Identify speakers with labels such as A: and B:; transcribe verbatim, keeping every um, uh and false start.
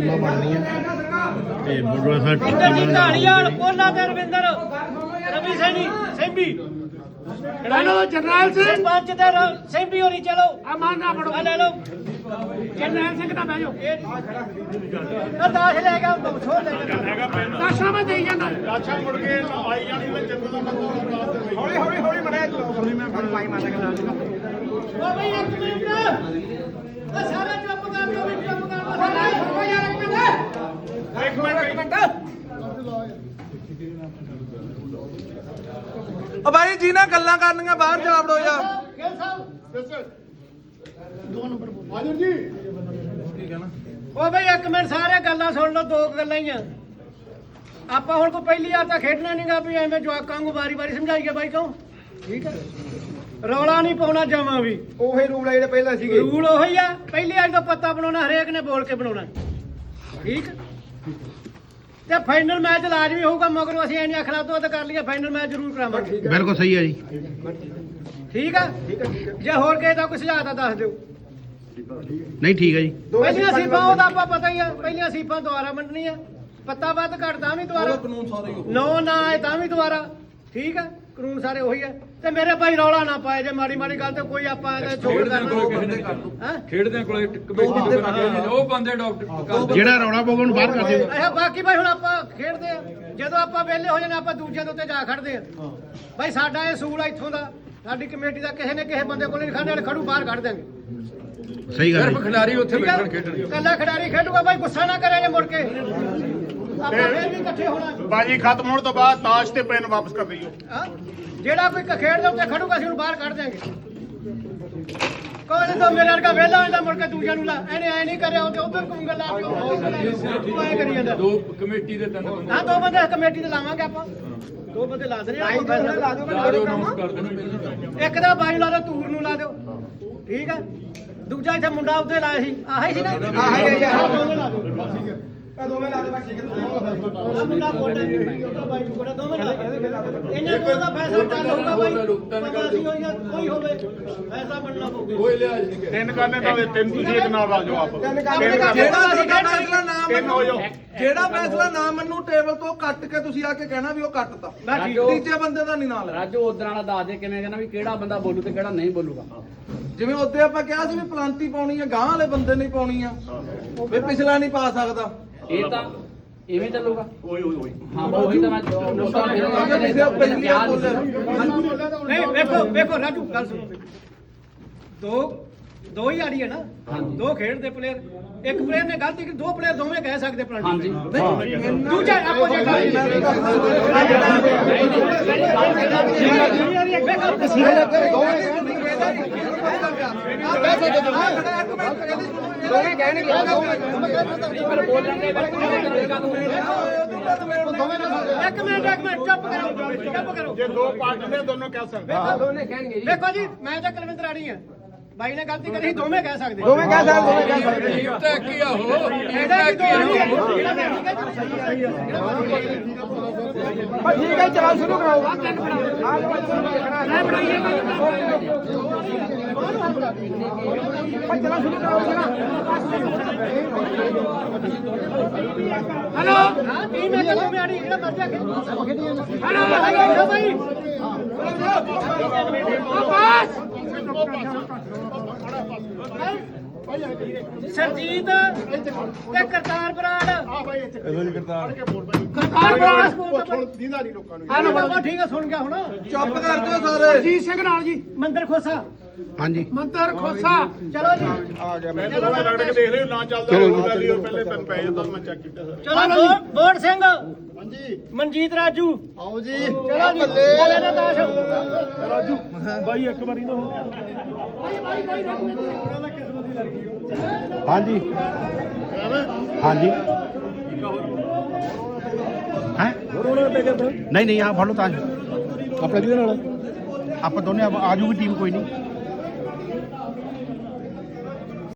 A: ਟੀਮਾਂ ਬਣਦੀਆਂ ਤੇ ਬੁੱਢਾ ਸਾਹਿਬ
B: ਢਾਲੀਵਾਲ ਕੋਲਾ ਤੇ ਰਵਿੰਦਰ ਰਵੀ ਸੈਣੀ ਸੈਂਬੀ
C: हेलो जरनैल सिंह
B: ਪੰਜ ਤੇ ਸੈਂਬੀ ਹੋਣੀ ਚਲੋ
C: अमान ना पड़ो
B: ਆ ਲੈ ਲਓ
C: जरनैल सिंह का बैठो
B: ਆ ਦਾਸ ਲੈ ਗਿਆ ਛੋੜ ਲੈ ਗਿਆ
C: दशा में दे जाना
D: ਅੱਛਾ ਮੁੜ ਕੇ ਆਈ ਜਾਣੀ ਵਿੱਚ ਜੰਗਲ ਦਾ ਬੰਦਾ
C: हौली हौली हौली मरे हौली मैं फिर पाई मारने का
B: ਓ ਬਈ ਇੱਕ ਮਿੰਟ ਆ ਸਾਰਾ ਚੁੱਪ ਕਰ ਲਓ ਵੀ ਚੁੱਪ ਕਰ ਲਓ ਸਾਰੇ
C: ओ यार एक मिनट
D: ਇੱਕ ਮਿੰਟ ਇੱਕ ਮਿੰਟ
E: ਓ ਬਾਈ ਜੀ ਨਾਲ ਗੱਲਾਂ ਕਰਨੀਆਂ ਬਾਹਰ ਜਾ ਵੜੋ ਯਾਰ
B: ਗਿੱਲ ਸਾਹਿਬ
D: ਹਾਜ਼ਰ ਜੀ
B: ਓ ਬਈ ਇੱਕ ਮਿੰਟ ਸਾਰੇ ਗੱਲਾਂ ਸੁਣ ਲਓ ਦੋ ਕੁ ਗੱਲਾਂ ਹੀ ਆ ਆਪਾਂ ਹੁਣ ਕੋਈ ਪਹਿਲੀ ਵਾਰ ਤਾਂ ਖੇਡਣਾ ਨਹੀਂਗਾ ਵੀ ਐਵੇਂ ਜਵਾਕਾਂ ਨੂੰ ਵਾਰੀ-ਵਾਰੀ ਸਮਝਾਈਏ ਬਾਈ ਕਿਉਂ ਠੀਕ ਹੈ ਰੌਲਾ ਨਹੀਂ ਪਾਉਣਾ ਜਮਾਂ ਵੀ
E: ਉਹੀ ਰੂਲ ਆ ਜਿਹੜੇ ਪਹਿਲਾਂ ਸੀਗੇ
B: ਰੂਲ ਉਹੀ ਆ ਪਹਿਲੀ ਵਾਰ ਤਾਂ ਪੱਤਾ ਬਣਾਉਣਾ ਹਰੇਕ ਨੇ ਬੋਲ ਕੇ ਬਣਾਉਣਾ ਠੀਕ ਤੇ ਫਾਈਨਲ ਮੈਚ ਲਾਜ਼ਮੀ ਹੋਊਗਾ ਮਗਰੋਂ ਅਸੀਂ ਐਨੀ ਅਖਲਾ ਤੋਂ ਕਰ ਲਈਏ ਫਾਈਨਲ ਮੈਚ ਜ਼ਰੂਰ ਕਰਾਵਾਂਗੇ
A: ਬਿਲਕੁਲ ਸਹੀ ਹੈ ਜੀ
B: ਠੀਕ ਆ ਜੇ ਹੋਰ ਕਿਸੇ ਦਾ ਕੋਈ ਸੁਝਾਅ ਤਾਂ ਦੱਸ ਦਿਓ
A: ਨਹੀਂ ਠੀਕ ਹੈ ਜੀ
B: ਪਹਿਲੀਆਂ ਸੀਫਾਂ ਉਹਦਾ ਆਪਾਂ ਪਤਾ ਹੀ ਆ ਪਹਿਲੀਆਂ ਸੀਫਾਂ ਦੁਆਰਾ ਮੰਨਣੀਆਂ ਪੱਤਾ ਵੱਧ ਘੱਟ ਤਾਂ ਵੀ ਦੁਆਰਾ
E: ਕਾਨੂੰਨ ਸਾਰੇ
B: ਨੋ ਨਾ ਆਏ ਤਾਂ ਵੀ ਦੁਆਰਾ ਠੀਕ ਆ ਕਾਨੂੰਨ ਸਾਰੇ ਉਹੀ ਆ ਤੇ ਮੇਰੇ ਭਾਈ ਰੌਲਾ ਨਾ ਪਾਏ ਜੇ ਮਾੜੀ ਮਾੜੀ ਗੱਲ ਤੇ ਕੋਈ ਆਪਾਂ ਇਹਦਾ ਛੋੜ ਕਰਨਾ ਹਾਂ
F: ਖੇਡਦਿਆਂ ਕੋਲੇ ਕਮੇਟੀ ਤੋਂ ਉਹ ਬੰਦੇ ਡਾਕਟਰ
A: ਜਿਹੜਾ ਰੌਲਾ ਪਊਗਾ ਉਹਨੂੰ ਬਾਹਰ ਕਰ ਦਿਓ
B: ਅੱਛਾ ਬਾਕੀ ਭਾਈ ਹੁਣ ਆਪਾਂ ਖੇਡਦੇ ਆ ਜਦੋਂ ਆਪਾਂ ਵਿਹਲੇ ਹੋ ਜਾਣਾ ਆਪਾਂ ਦੂਜਿਆਂ ਦੇ ਉੱਤੇ ਜਾ ਖੜਦੇ ਆ ਭਾਈ ਸਾਡਾ ਇਹ ਸੂਲ ਆ ਇੱਥੋਂ ਦਾ ਸਾਡੀ ਕਮੇਟੀ ਦਾ ਕਿਸੇ ਨੇ ਕਿਸੇ ਬੰਦੇ ਕੋਲ ਨਹੀਂ ਖੜਨੇ ਵਾਲੇ ਖੜੂ ਬਾਹਰ ਕੱਢ ਦਿਆਂਗੇ
A: ਸਹੀ ਗੱਲ
F: ਸਿਰਫ
A: ਹੈ
F: ਖਿਡਾਰੀ ਉੱਥੇ
B: ਠੀਕ ਆ?
F: ਬੈਠਣ ਖੇਡਣ
B: ਕੱਲਾ ਖਿਡਾਰੀ ਖੇਡੂਗਾ ਭਾਈ ਗੁੱਸਾ ਨਾ ਕਰਿਆ ਜੇ ਮੁੜ ਕੇ ਆਪਾਂ ਫੇਰ ਵੀ ਇਕੱਠੇ ਹੋਣਾ
D: ਬਾਜੀ ਖਤਮ ਹੋਣ ਤੋਂ ਬਾਅਦ ਤਾਸ਼ ਤੇ ਪੈਨ ਵਾਪਸ ਕਰ ਦਈਓ
B: ਹਾਂ ਜਿਹੜਾ ਕੋਈ ਖੇਡ ਦੇ ਉੱਤੇ ਖੜੂਗਾ ਅਸੀਂ ਉਹਨੂੰ ਬਾਹਰ ਕੱਢ ਦਿਆਂਗੇ ਕੋਈ ਤਾਂ ਮੇਰੇ ਵਰਗਾ ਵਿਹਲਾ ਹੁੰਦਾ ਮੁੜ ਕੇ ਦੂਜਿਆਂ ਨੂੰ ਲਾ ਇਹਨੇ ਐ ਨਹੀਂ ਕਰਿਆ ਉਹ ਉਧਰ ਕੂੰਗਾ ਲਾ ਕੇ ਉਹ ਐ ਕਰੀ ਜਾਂਦਾ
F: ਦੋ ਕਮੇਟੀ ਦੇ ਤਿੰਨ ਬੰਦੇ
B: ਹਾਂ ਦੋ ਬੰਦੇ ਕਮੇਟੀ ਤੇ ਲਾਵਾਂਗੇ ਆਪਾਂ ਦੋ ਬੰਦੇ ਲਾ ਦੇਣੇ ਆਪਾਂ ਫੈਸਲਾ ਲਾ
F: ਚਾਰੋਂ ਅਨਾਉਂਸ ਕਰ ਦੇਣੇ ਪਹਿਲਾਂ
B: ਇੱਕ ਦਾ ਬਾਈ ਲਾ ਦਿਓ ਤੂਰ ਨੂੰ ਲਾ ਦਿਓ ਠੀਕ ਆ ਦੂਜਾ ਇੱਥੇ ਮੁੰਡਾ ਉੱਤੇ ਲਾਇਆ ਸੀ ਆਹੀ ਸੀ ਨਾ
E: ਆਹੀ ਹੈ ਯਾਰ।
B: ਦੋਵੇਂ ਲਾ ਦਿਓ
E: ਆ ਦੋਵੇਂ ਲਾ ਦੇ ਬਸ ਠੀਕ ਹੈ
B: ਆਹ ਮੁੰਡਾ ਕੋਟਾ ਉਹਦਾ ਬਾਈ ਨੂੰ ਕੋਟਾ ਦੋਵੇਂ ਲਾ ਦਿਓ ਇਹਨਾਂ ਕੋਲ ਦਾ ਫੈਸਲਾ ਚੱਲ ਹੋਊਗਾ ਬਾਈ ਪਤਾ ਨਹੀਂ ਹੋਈ ਕੋਈ ਹੋਵੇ ਫੈਸਲਾ ਬਣਨਾ ਪਊਗਾ
F: ਕੋਈ ਲਿਹਾਜ਼ ਨਹੀਂ
D: ਤਿੰਨ ਕਰਨੇ ਤਾਂ ਹੋਵੇ, ਤਿੰਨ ਤੁਸੀਂ ਇੱਕ ਨਾਲ ਆ ਜਾਓ ਆਪ
E: ਤਿੰਨ
D: ਤਿੰਨ
E: ਕੰਮ
D: ਕਰ
E: ਜਿਹੜਾ
D: ਦਿਓ।
E: ਅਸੀਂ ਫੈਸਲਾ ਨਾ
D: ਤਿੰਨ ਹੋ ਜਾਓ
E: ਜਿਹੜਾ ਫੈਸਲਾ ਨਾ ਮੰਨੂ ਟੇਬਲ ਤੋਂ ਕੱਟ ਕੇ ਤੁਸੀਂ ਆ ਕੇ ਕਹਿਣਾ ਵੀ ਉਹ ਕੱਟਤਾ
B: ਮੈਂ ਠੀਕ
E: ਤੀਜੇ ਬੰਦੇ ਦਾ ਨਹੀਂ ਨਾਲ
G: ਰਾਜੂ ਉਧਰ ਵਾਲਾ ਦੱਸ ਦੇ ਕਿਵੇਂ ਕਹਿੰਦਾ ਵੀ ਕਿਹੜਾ ਬੰਦਾ ਬੋਲੂ ਤੇ ਕਿਹੜਾ ਨਹੀਂ ਬੋਲੂਗਾ
E: ਜਿਵੇਂ ਉੱਤੇ ਆਪਾਂ ਕਿਹਾ ਸੀ ਵੀ ਪਲਾਂਟੀ ਪਾਉਣੀ ਆ ਗਾਂ ਵਾਲੇ ਬੰਦੇ ਨਹੀਂ ਪਾਉਣੀ ਆ ਵੀ ਪਿਛਲਾ ਨਹੀਂ ਪਾ ਸਕਦਾ
G: ਇਹ ਤਾਂ ਇਵੇਂ ਚੱਲੂਗਾ
D: ਓਏ ਓਏ ਓਏ
G: ਹਾਂ ਉਹੀ ਤਾਂ ਮੈਂ ਨੋਟਾਂ
B: ਨਹੀਂ ਵੇਖੋ ਵੇਖੋ ਰਾਜੂ ਗੱਲ ਸੁਣੋ ਦੋ ਦੋ ਹੀ ਆੜੀ ਹੈ ਨਾ ਦੋ ਖੇਡਦੇ ਪਲੇਅਰ ਇੱਕ ਪਲੇਅਰ ਨੇ ਗਲਤੀ ਕੀਤੀ ਦੋ ਪਲੇਅਰ ਦੋਵੇਂ ਕਹਿ ਸਕਦੇ ਪਲਾਂਟੀ
G: ਹਾਂਜੀ
B: ਦੂਜਾ ਆਪੋ ਜੇ
E: ਦੋਵੇਂ ਕਹਿਣਗੇ
B: ਇੱਕ ਮਿੰਟ ਇੱਕ ਮਿੰਟ ਚੁੱਪ ਕਰੋ ਚੁੱਪ ਕਰੋ
D: ਜੇ ਦੋ ਪਾਰਟੀ ਨੇ ਦੋਨੋਂ ਕਹਿ ਸਕਦੇ
B: ਦੇਖੋ ਜੀ ਮੈਂ ਤਾਂ ਕੁਲਵਿੰਦਰ ਆੜੀ ਆ ਬਾਈ ਨੇ ਗਲਤੀ ਕਰੀ ਦੋਵੇਂ ਕਹਿ ਸਕਦੇ
E: ਦੋਵੇਂ ਕਹਿ ਸਕਦੇ ਦੋਵੇਂ ਕਹਿ ਸਕਦੇ
F: ਟੀਮ ਤਾਂ ਕੀ ਆ ਉਹ
B: ਇਹਦਾ ਕੀ ਦੋ ਜਿਹੜਾ ਮੈਂ ਠੀਕ ਹੈ
E: ਬਸ ਠੀਕ ਹੈ ਚਲਾ ਸ਼ੁਰੂ ਕਰਾਓ ਚਲਾ ਸ਼ੁਰੂ ਕਰਾਓ
B: ਹੈਲੋ ਹਾਂ ਟੀਮ ਹੈ ਦੋਵੇਂ ਆੜੀ ਜਿਹੜਾ ਮਰਜ਼ੀ ਆ ਹੈਲੋ ਹੈਲੋ ਬਾਈ ਸਰਜੀਤ ਤੇ ਕਰਤਾਰ ਬਰਾੜ
D: ਆ ਭਾਈ ਇੱਥੇ ਕਰਤਾਰ ਕੇ ਬੋਲ ਭਾਈ
B: ਕਰਤਾਰ ਬਰਾੜ ਸਕੂਲ ਤੋਂ
D: ਦੀਦਾ ਨਹੀਂ ਲੋਕਾਂ ਨੂੰ
B: ਹਾਂ ਬਾਬਾ ਠੀਕ ਹੈ ਸੁਣ ਗਿਆ ਹੁਣ
E: ਚੁੱਪ ਕਰ ਦਿਓ ਸਾਰੇ
C: अजीत सिंह नाल जी
B: ਮੰਦਰ ਖੋਸਾ
A: ਹਾਂਜੀ
C: मंतर खोसा
B: ਚਲੋ ਜੀ
E: ਆ ਗਿਆ
D: ਮੈਂ ਤਾਂ ਰਗੜ ਕੇ ਦੇਖ ਰਹੇ ਨਾ ਚੱਲਦਾ ਹੋਊਗਾ ਵੀ ਉਹ ਪਹਿਲੇ ਤਿੰਨ ਪੈ ਜਾਂਦਾ ਮੈਂ ਚੈੱਕ ਕੀਤਾ ਸਰ
B: ਚਲੋ ਬੋੜ- ਬੋੜ ਸਿੰਘ
D: ਹਾਂਜੀ
B: ਮਨਜੀਤ ਰਾਜੂ
D: ਆਓ ਜੀ
B: ਚਲੋ ਜੀ ਚਲੇ ਨਾ ਦਾਸ਼
D: ਰਾਜੂ ਬਾਈ ਇੱਕ ਵਾਰੀ ਨਾ ਹੋ
A: ਹਾਂਜੀ ਹਾਂਜੀ ਹੈ ਨਹੀਂ ਨਹੀਂ ਆ ਫੜ ਲਓ ਤਾਂ
D: ਆਪਣੇ ਕਿਹਦੇ ਨਾਲ
A: ਆਪਾਂ ਦੋਨੇ ਆ ਜੂਗੀ ਟੀਮ ਕੋਈ ਨਹੀਂ